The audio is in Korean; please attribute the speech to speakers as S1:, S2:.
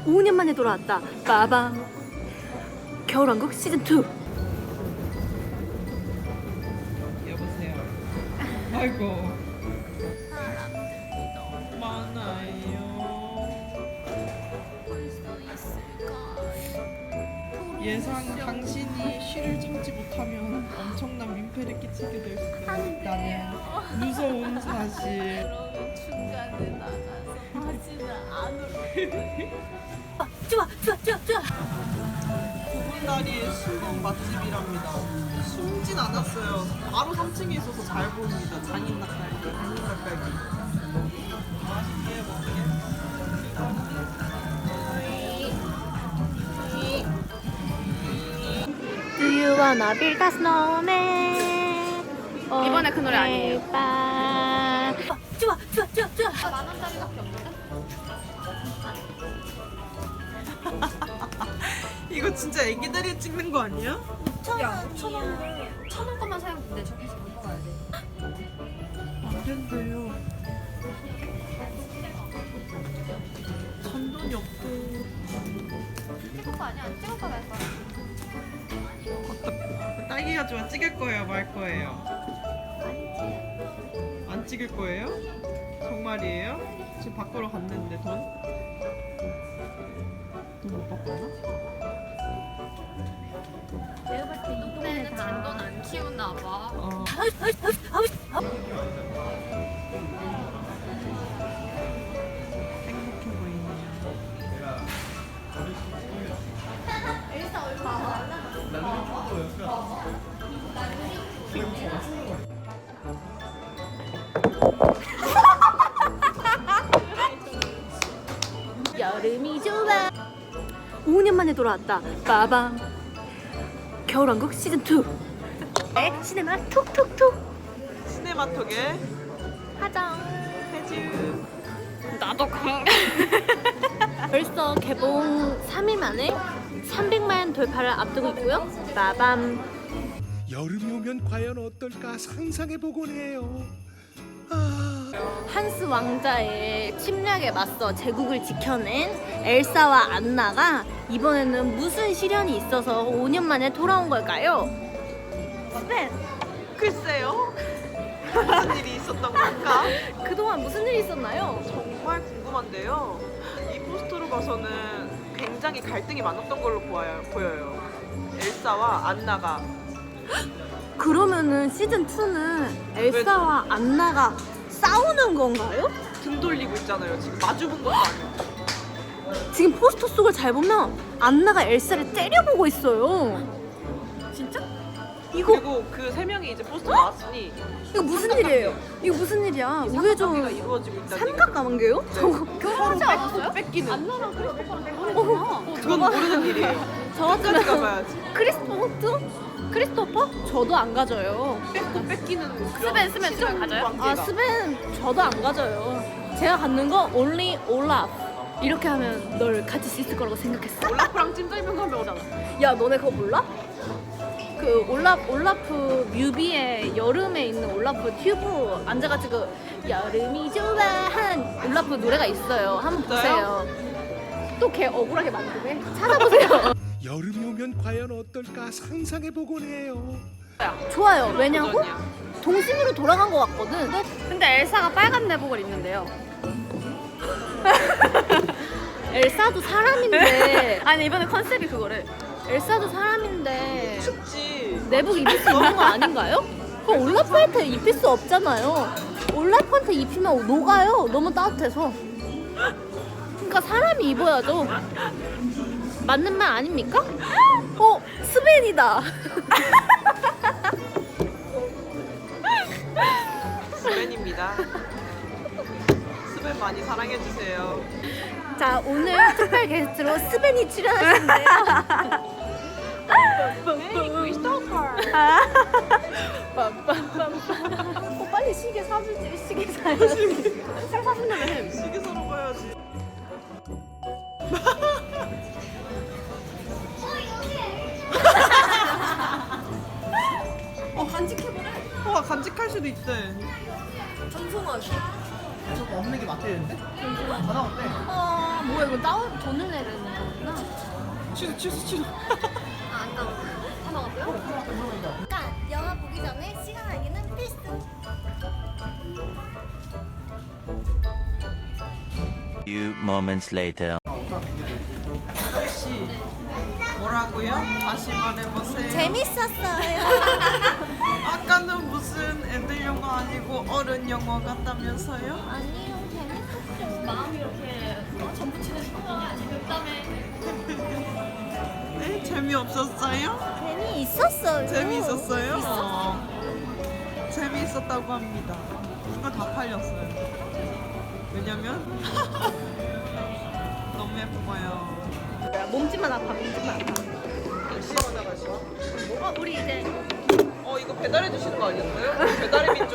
S1: 5년 만에 돌아왔다. 빠밤. 겨울왕국 시즌2.
S2: 여보세요. 아이고. 사람들이 너무 많아요. 예상 당신이 쉬를 참지 못하면 엄청난 민폐를 끼치게 될 수도 있다는 무서운 사실.
S3: 그러면 중간에 나가서 다시는 안 올게.
S1: 좋아.
S2: 구분다리의 숨은 맛집이랍니다. 숨진 않았어요. 바로 3층에 있어서 잘 보입니다. 장인 닭갈비, 장인 닭갈비. 맛있게
S1: Do you wanna build a snowman?
S3: 이번에 그 노래 아니에요.
S1: 좋아.
S3: 10,000원짜리밖에 없는데?
S2: 이거 진짜 애기들이 찍는 거 아니야?
S3: 1,000원 것만 사면 돼. 저기서 못 먹어야 돼.
S2: 안 된대요. 잔돈이 없고.
S3: 찍을 거 아니야? 안 찍을 거라 했어.
S2: 딸기가 좋아. 찍을 거예요, 말 거예요? 안 찍을 거예요? 정말이에요? 지금 밖으로 갔는데 돈? 돈 못 받거나?
S1: 내가 봤을 때 이
S3: 이번에는 잔돈 안 키우나 봐.
S2: 행복해 보이네요.
S1: 여름이 좋아. 5년 만에 돌아왔다. 빠밤. 겨울왕국 시즌2. 시네마 톡톡톡.
S2: 시네마톡에
S1: 하정.
S2: 해즈.
S3: 나도 강.
S1: 벌써 개봉 3일 만에 300만 돌파를 앞두고 있고요. 빠밤.
S4: 여름이 오면 과연 어떨까 상상해보곤 해요.
S1: 한스 왕자의 침략에 맞서 제국을 지켜낸 엘사와 안나가 이번에는 무슨 시련이 있어서 5년 만에 돌아온 걸까요? 스벤,
S2: 글쎄요. 무슨 일이 있었던 걸까?
S1: 그동안 무슨 일이 있었나요?
S2: 정말 궁금한데요. 이 포스터로 봐서는 굉장히 갈등이 많았던 걸로 보여요. 엘사와 안나가.
S1: 그러면은 시즌2는 엘사와 안나가 싸우는 건가요?
S2: 등 돌리고 있잖아요. 지금 마주 본 것도 아니고.
S1: 지금 포스터 속을 잘 보면 안나가 엘사를 때려보고 있어요. 진짜? 이거
S2: 그리고 그 세 명이 이제 포스터 나왔으니
S1: 이거 무슨 일이에요? 이거 무슨 일이야?
S2: 이
S1: 우회전
S2: 삼각관계가 이루어지고 있다는
S1: 삼각관계요? 저거
S3: 결혼하지 않았어요?
S2: 뺏기는.
S3: 안나랑 크리스토퍼랑 결혼했구나.
S2: 그건 모르는 일이에요.
S1: 저
S2: 끝까지
S1: 같으면
S2: 가봐야지.
S1: 크리스토퍼? 저도 안 가져요.
S2: 뺏고 뺏기는
S3: 스벤 지금 가져요?
S1: 아 스벤 저도 안 가져요. 제가 갖는 거 only 올라프. 이렇게 하면 널 가질 수 있을 거라고 생각했어.
S2: 올라프랑 찜질방 가면 오잖아.
S1: 야 너네 그거 몰라? 그 올라프 뮤비에 여름에 있는 올라프 튜브 앉아가지고 여름이 좋아한 올라프 노래가 있어요. 한번 보세요. 또 걔 억울하게 만드네. 찾아보세요.
S4: 여름이 오면 과연 어떨까 상상해보곤 해요.
S1: 좋아요. 왜냐고? 동심으로 돌아간 것 같거든.
S3: 근데 엘사가 빨간 내복을 입는데요.
S1: 엘사도 사람인데
S3: 아니 이번에 컨셉이 그거래.
S1: 엘사도 사람인데
S2: 춥지.
S1: 내복 입을 수 있는 거 아닌가요? 그럼 올라프한테 입힐 수 없잖아요. 올라프한테 입히면 녹아요. 너무 따뜻해서. 그러니까 사람이 입어야죠. 맞는 말 아닙니까? 스벤이다.
S2: 스벤입니다. 스벤 많이 사랑해주세요.
S1: 자 오늘 특별 게스트로 스벤이 출연하시는데요. 빨리 시계 사주지. 시계 사야지.
S3: 살 사준다며 햄.
S2: 시계 사러 가야지.
S1: 간직해보래.
S2: 와 간직할 수도 있대.
S1: 전송하기.
S2: 저거 없는 게 맞대는데? 다 나왔대.
S1: 아 뭐야 이거 다운 돈을 내야 되는 거구나.
S2: 취소.
S3: 안 나왔어요. 다 나왔어요?
S5: 그러니까 영화 보기 전에 시간 알기는 필수.
S6: Few moments later.
S2: 혹시 뭐라고요? 다시 말해보세요.
S5: 재밌었어요.
S2: 아까는 무슨 애들 영화 아니고 어른 영화 같다면서요?
S5: 아니요, 재밌었어요.
S1: 마음이 이렇게 전부 치는 거야. 그다음에
S2: 네? 재미없었어요?
S5: 재미있었어요.
S2: 재미있었어요? 재미있었다고 합니다. 이거 다 팔렸어요. 왜냐면 너무 예뻐요.
S3: 몸집만 아파, 몸집만 아파.
S2: 시원하다가
S3: 우리 이제
S2: 이거 배달해 주시는 거 아니었어요? 배달의 민족